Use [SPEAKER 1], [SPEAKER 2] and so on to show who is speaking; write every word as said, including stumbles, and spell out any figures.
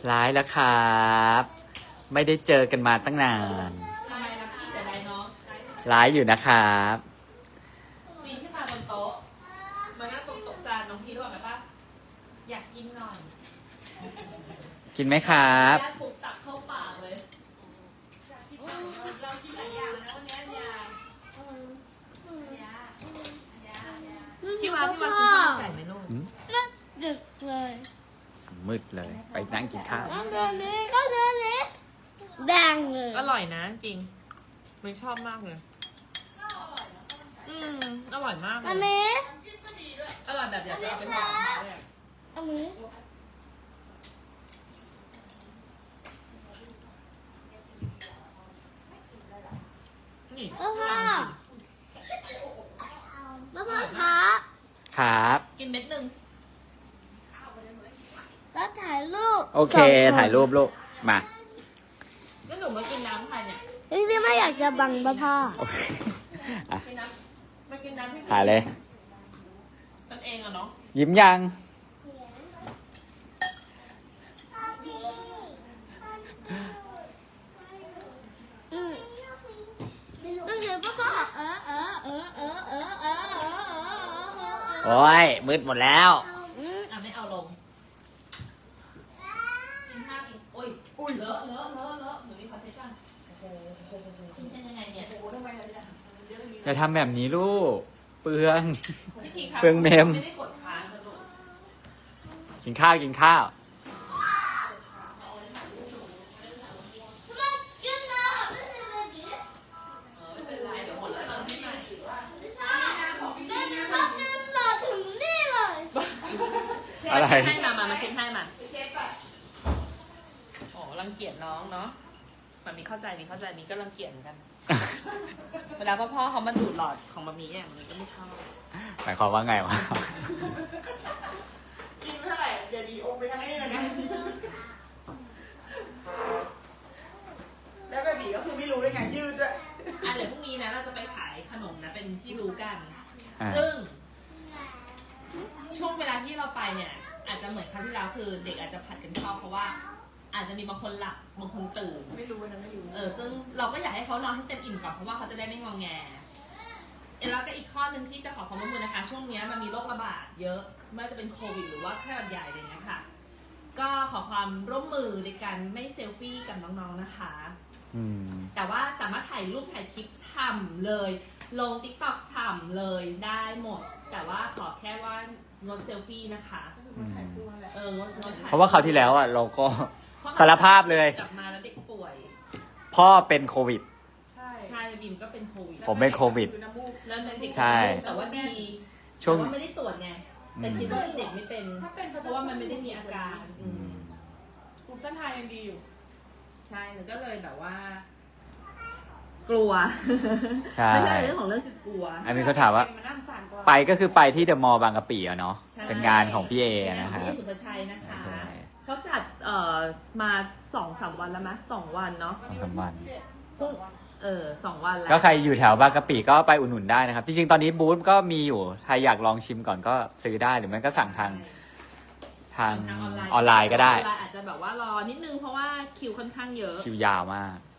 [SPEAKER 1] ร้ายแล้วครับ ไม่ได้เจอกันมาตั้งนาน
[SPEAKER 2] ทำไมนะพี่เสียดายน้อง
[SPEAKER 1] ร้ายอยู่นะครับ
[SPEAKER 2] ปีนขึ้นมาบนโต๊ะมันก็ตกตกจานน้องพี่รู้ไหมป่ะอยากกินหน่อย
[SPEAKER 1] กินไหมครับ
[SPEAKER 2] ญาติปลุกตักเข้าปากเลย
[SPEAKER 3] เรากินหลายอย่างนะวันนี้ยา
[SPEAKER 2] พี่วาพี่วากินข้าวไก่ไหมลูก
[SPEAKER 4] ดึกเลย
[SPEAKER 1] มืดเลย ไปนั่งกินข้าว
[SPEAKER 4] ก็เดินนี้ก็เดินนี้แดงเลย
[SPEAKER 2] อร่อยนะจริงมันชอบมากเลยอืมอร่อยมากเล
[SPEAKER 4] อัน
[SPEAKER 2] ย
[SPEAKER 4] นี้
[SPEAKER 2] อร่อยแบบอยากจะเอาไปทำเลยอะ
[SPEAKER 4] อันนี้
[SPEAKER 2] นี่
[SPEAKER 4] แล้วพ่อแล้วพ่อครับ
[SPEAKER 1] ครับ
[SPEAKER 2] กินเม็ดหนึ่ง
[SPEAKER 4] แล้วถ่ายรูป
[SPEAKER 1] โอเค ถ่ายรูปลูก มา
[SPEAKER 2] แล้วหนูมากินน้ำใครเนี่ย
[SPEAKER 4] จริงๆไม่อยากจะบังป้าพ่อ
[SPEAKER 1] โอเคอ่ะ
[SPEAKER 2] กินน้ำมากินน้ำให้
[SPEAKER 1] ถ่ายเลย
[SPEAKER 2] กันเองอะเนาะ
[SPEAKER 1] ยิ้มยัง
[SPEAKER 4] อืมก็เห็นป้าพ่อเออเออเออเออเออเออเออเออ
[SPEAKER 1] โอ้ย มืดหมดแล้ว
[SPEAKER 4] อืม
[SPEAKER 2] อ่ะไม่เอาลงกินข้าวกินโอ้ยอุ้ยเลอะเลอะเลอะเลอะหนูนี่ขอเช็ดก่อนโอ้โหกินเป็นยังไงเนี่ยโอ้โหทำไมเราจะ
[SPEAKER 1] อย่าทำแบบนี้ลูก เปลือง
[SPEAKER 2] พิธีครับ
[SPEAKER 1] เปลืองเมม
[SPEAKER 2] ไม่ได้กดค้างนะลูก
[SPEAKER 1] กินข้าวกินข้าว
[SPEAKER 4] กินน้ำไม่ใช่แบบนี้
[SPEAKER 2] เออไม่เป็นไรเดี๋ยวหมดแล้วเติมให้ใหม่
[SPEAKER 4] ไม่ใช่เดินเขาเดินต่อถึงนี่เลย
[SPEAKER 1] อะไร
[SPEAKER 2] เช็ดให้มามามาเช็ดให้มาโอ้รังเกียจน้องเนาะมันมีเข้าใจมีเข้าใจมีก็รังเกียจเหมือนกัน เวลาพ่อพ่อเขามาดูดหลอดของมามีเนี่ยมันก็ไม่ชอบ
[SPEAKER 1] หมายความว่าไงวะ
[SPEAKER 3] กินเท่าไหร่เดี๋ยวดีอมไปทั้งนี้เลยนะแล้วแบบนี้ก็คือไม่รู้ด้วยไงยืดด้วย
[SPEAKER 2] อ่ะเดี๋ยวพรุ่งนี้นะเราจะไปขายขนมนะเป็นที่รู้กัน
[SPEAKER 1] อ่า
[SPEAKER 2] ซึ่ง ช่วงเวลาที่เราไปเนี่ย อาจจะเหมือนครั้งที่แล้วคือ เด็กอาจจะผัดกันชอบเพราะว่า อาจจะมีบางคนหลับบางคนตื่น
[SPEAKER 3] ไม่รู้นะไม่รู้
[SPEAKER 2] เออซึ่งเราก็อยากให้เขานอนให้เต็มอิ่มก่อนเพราะว่าเขาจะได้ไม่งอแงแล้วก็อีกข้อหนึ่งที่จะขอความร่วมมือนะคะ ช่วงนี้มันมีโรคระบาดเยอะไม่ว่าจะเป็นโควิดหรือว่าไข้หวัดใหญ่อะไรอย่างเงี้ยค่ะ ก็ขอความร่วมมือในการไม่เซลฟี่กับน้องๆนะคะ
[SPEAKER 1] อืม
[SPEAKER 2] แต่ว่าสามารถถ่ายรูปถ่ายคลิปฉ่ำเลย ลง ติ๊กต็อก ฉ่ำเลยได้หมด แต่ว่าขอแค่ว่างดเซลฟี่นะคะ
[SPEAKER 3] มันถ่ายคู่นั่นแหละ
[SPEAKER 2] เอองดงดถ่าย
[SPEAKER 1] เพราะว่าคราวที่แล้วอ่ะเราก็
[SPEAKER 2] เพระ
[SPEAKER 1] สารภาพเลย
[SPEAKER 2] กลับมาแล้วเด็กป่วย
[SPEAKER 1] พ่อเป็นโควิด
[SPEAKER 3] ใช่
[SPEAKER 2] ใช่บิมก็เป็นโควิด
[SPEAKER 1] ผมเป็นโควิด
[SPEAKER 3] น้ำมูก
[SPEAKER 2] แล้วเด็ก
[SPEAKER 1] ใช่
[SPEAKER 2] แต่ว่าดี
[SPEAKER 1] ช่วง
[SPEAKER 2] แต่ว่าไม่ได้ตรวจไง แต่คิดว่าเด็กไม่เป็น
[SPEAKER 3] ถ้าเป็น
[SPEAKER 2] เพราะว่ามันไม่ได้มีอาการ
[SPEAKER 1] อืม
[SPEAKER 3] ภูมิต้านทานยังดีอยู่
[SPEAKER 2] ใช่แล้วก็เลยแบบว่า กลัว
[SPEAKER 1] ใช่
[SPEAKER 2] ไม่ใช่เรื่องของเรื่องคือกลัว
[SPEAKER 1] อันนี้เขาถามว่า
[SPEAKER 3] มันนั่งสารกว่า
[SPEAKER 1] ไปก็คือไปที่เดอะมอลล์บางกะปิอะเนาะ
[SPEAKER 2] ใช่
[SPEAKER 1] เป็นงานของพี่เอนะค
[SPEAKER 2] พี่
[SPEAKER 1] รับ
[SPEAKER 2] เอสุภชัยนะคะ
[SPEAKER 1] ใช่
[SPEAKER 2] เขาจัดเอ่อมาสองสามวันแล้วมั้ยสองวันเนาะ
[SPEAKER 1] สองสามวัน
[SPEAKER 2] พรุ่งเออสองวันแล้ว
[SPEAKER 1] ก็ใครอยู่แถวบางกะปิก็ไปอุดหนุนได้นะครับ จริงๆ ตอนนี้บูธก็มีอยู่ ใครอยากลองชิมก่อนก็ซื้อได้ หรือไม่ก็สั่งทางทาง
[SPEAKER 2] ทาง
[SPEAKER 1] ออนไลน์ก็ได้
[SPEAKER 2] ออนไลน์อาจจะแบบว่ารอนิดนึงเพราะว่าคิวค่อนข้างเยอะ
[SPEAKER 1] คิวยาวมาก